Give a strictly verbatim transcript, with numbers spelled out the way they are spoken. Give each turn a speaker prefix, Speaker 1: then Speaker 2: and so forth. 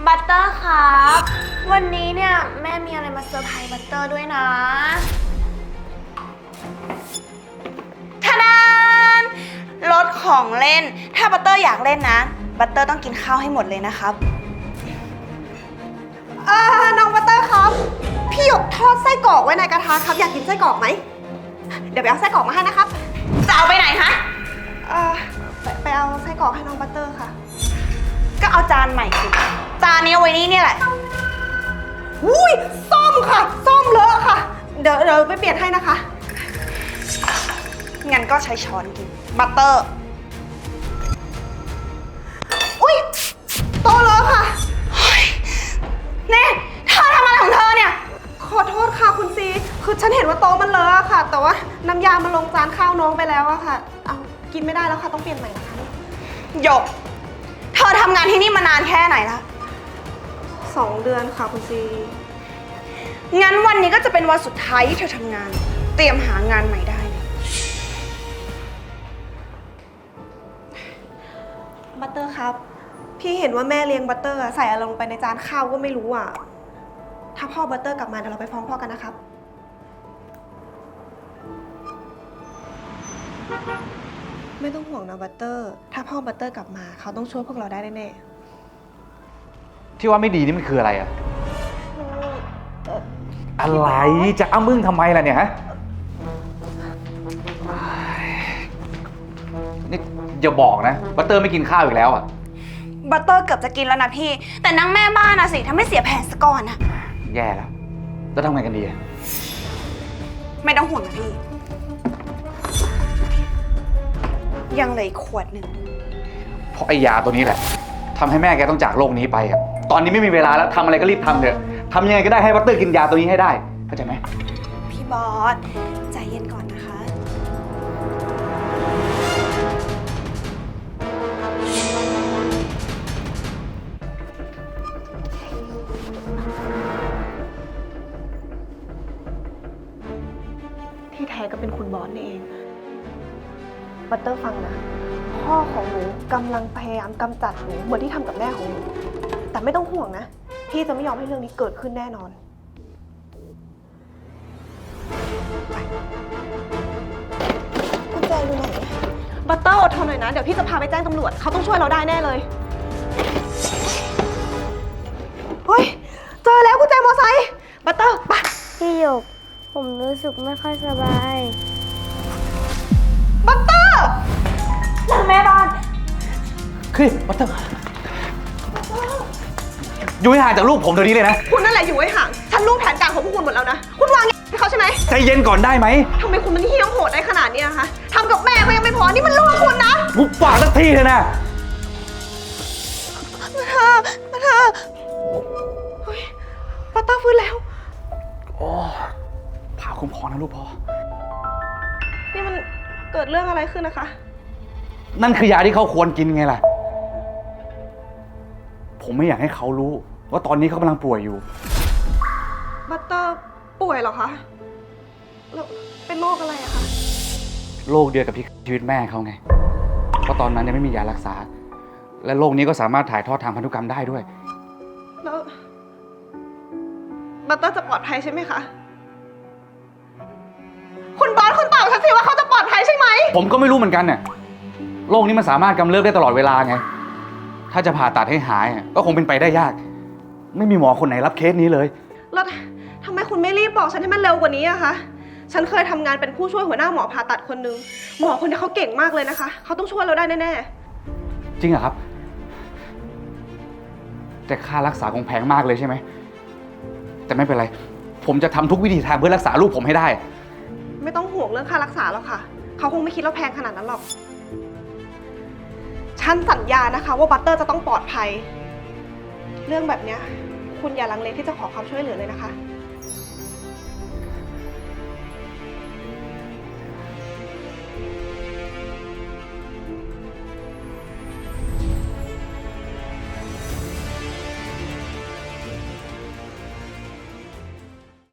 Speaker 1: บัตเตอร์ครับวันนี้เนี่ยแม่มีอะไรมาเซอร์ไพรส์บัตเตอร์ด้วยนะทะดานรถของเล่นถ้าบัตเตอร์อยากเล่นนะบัตเตอร์ต้องกินข้าวให้หมดเลยนะครับ
Speaker 2: เออน้องบัตเตอร์ครับพี่หยกทอดไส้กรอกไว้ในกระทะครับอยากกินไส้กรอกไหมเดี๋ยวไปเอาไส้กรอกมาให้นะครับ
Speaker 1: จะเอาไปไหนคะ
Speaker 2: เออไปไปเอาไส้กรอกให้น้องบัตเตอร์ค่ะ
Speaker 1: ก็เอาจานใหม่สิจานนี้เอาไว้นี่เนี่ยแหละ
Speaker 2: อุ้ยส้มค่ะส้มเลอะค่ะเดี๋ยวเดี๋ยวไปเปลี่ยนให้นะคะ
Speaker 1: งั้นก็ใช้ช้อนกินบัตเตอร์
Speaker 2: อุ้ยโตเลอะค่ะ
Speaker 1: เน่เธอทำอะไรของเธอเนี่ย
Speaker 2: ขอโทษค่ะคุณซีคือฉันเห็นว่าโต๊ะมันเลอะค่ะแต่ว่าน้ำยามันลงจานข้าวน้องไปแล้วอะค่ะเอากินไม่ได้แล้วค่ะต้องเปลี่ยนใหม่นะคะ
Speaker 1: หยกเธอทำงานที่นี่มานานแค่ไหนแล้ว
Speaker 2: สองเดือนค่ะคุณซี
Speaker 1: งั้นวันนี้ก็จะเป็นวันสุดท้ายที่เธอทำงานเตรียมหางานใหม่ได้เลย
Speaker 2: บัตเตอร์ครับพี่เห็นว่าแม่เลี้ยงบัตเตอร์ใส่อะไรลงไปในจานข้าวก็ไม่รู้อ่ะถ้าพ่อบัตเตอร์กลับมาเดี๋ยวเราไปฟ้องพ่อกันนะครับไม่ต้องห่วงนะบัตเตอร์ถ้าพ่อบัตเตอร์กลับมาเขาต้องช่วยพวกเราได้แน่
Speaker 3: ๆที่ว่าไม่ดีนี่มันคืออะไรอะอะไรจะอ้ามึงทำไมล่ะเนี่ยฮะนี่อย่าบอกนะบัตเตอร์ไม่กินข้าวอีกแล้วอ่ะ
Speaker 1: บัตเตอร์เกือบจะกินแล้วนะพี่แต่นั่งแม่บ้านนะสิทำให้เสียแผนซะก่อนอะ
Speaker 3: แย่แล้วแล้วทำไงกันดีอะ
Speaker 1: ไม่ต้องห่วงนะพี่ยังเหลืออีกขวดหนึ่ง
Speaker 3: เพราะไอ้ยาตัวนี้แหละทำให้แม่แกต้องจากโลกนี้ไปครับตอนนี้ไม่มีเวลาแล้วทำอะไรก็รีบทำเถอะทำยังไงก็ได้ให้บัตเตอร์กินยาตัวนี้ให้ได้เข้าใจไหม
Speaker 1: พี่บอสใจเย็นก่อนนะคะ
Speaker 2: ที่แท้ก็เป็นคุณบอสนี่เองบัตเตอร์ฟังนะพ่อของหนูกำลังพยายามกำจัดหนูเหมือนที่ทำกับแม่ของหนูแต่ไม่ต้องห่วงนะพี่จะไม่ยอมให้เรื่องนี้เกิดขึ้นแน่นอนกุญแจอยู่ไหนบัตเตอร์อดทนหน่อยนะเดี๋ยวพี่จะพาไปแจ้งตำรวจเขาต้องช่วยเราได้แน่เลยเฮ้ยเจอแล้วกุญแจมอไซค์บัตเตอร์ไป
Speaker 4: พี่หยกผมรู้สึกไม่ค่อยสบาย
Speaker 2: บัตเตอร์
Speaker 1: แม่บ้าน
Speaker 3: คือบัตเตอร์อยู่ให้ห่างจากลูกผมเดี๋ยวนี้เลยนะ
Speaker 2: คุณนั่นแหละอยู่ให้ห่างฉันรู้แผนการของพวกคุณหมดแล้วนะคุณวางให้เขาใช่ไหม
Speaker 3: ใจเย็นก่อนได้ไหม
Speaker 2: ทำไมคุณมันเหี้ยมโหดได้ขนาดนี้นะคะทำกับแม่ก็ยังไม่พอนี่มันลูกคุณนะ
Speaker 3: มุกปากสักทีเถอะนะ
Speaker 2: มาเธอมาเธอเฮ้ยบัตเตอร์ฟื้นแล้ว
Speaker 3: โอ้ผ่าคุ้มครองนะลูกพ่อ
Speaker 2: นี่มันเกิดเรื่องอะไรขึ้นนะคะ
Speaker 3: นั่นคือยาที่เขาควรกินไงล่ะผมไม่อยากให้เขารู้ว่าตอนนี้เขากำลังป่วยอยู่
Speaker 2: บัตเตอร์ป่วยเหรอคะแล้วเป็นโรคอะไรอะคะ
Speaker 3: โรคเดียวกับที่ชีวิตแม่เขาไงเพราะตอนนั้นยังไม่มียารักษาและโรคนี้ก็สามารถถ่ายทอดทางพันธุกรรมได้ด้วย
Speaker 2: แล้วบัตเตอร์จะปลอดภัยใช่ไหมคะคุณบอสคุณตอบฉันสิว่าเขาจะปลอดภัยใช่ไหม
Speaker 3: ผมก็ไม่รู้เหมือนกันเนี่ยโรคนี้มันสามารถกำเริบได้ตลอดเวลาไงถ้าจะผ่าตัดให้หายก็คงเป็นไปได้ยากไม่มีหมอคนไหนรับเคสนี้เลย
Speaker 2: แล้วทำไมคุณไม่รีบบอกฉันให้มันเร็วกว่านี้อะคะฉันเคยทำงานเป็นผู้ช่วยหัวหน้าหมอผ่าตัดคนนึงหมอคนนี้เขาเก่งมากเลยนะคะเขาต้องช่วยเราได้แน่
Speaker 3: ๆจริงเหรอครับแต่ค่ารักษาคงแพงมากเลยใช่ไหมแต่ไม่เป็นไรผมจะทำทุกวิธีทางเพื่อรักษาลูกผมให้ได้
Speaker 2: ไม่ต้องห่วงเรื่องค่ารักษาหรอกค่ะเขาคงไม่คิดว่าแพงขนาดนั้นหรอกฉันสัญญานะคะว่าบัตเตอร์จะต้องปลอดภัยเรื่องแบบนี้คุณอย่าลังเลที่จะขอความช่วยเหลือเลยนะคะ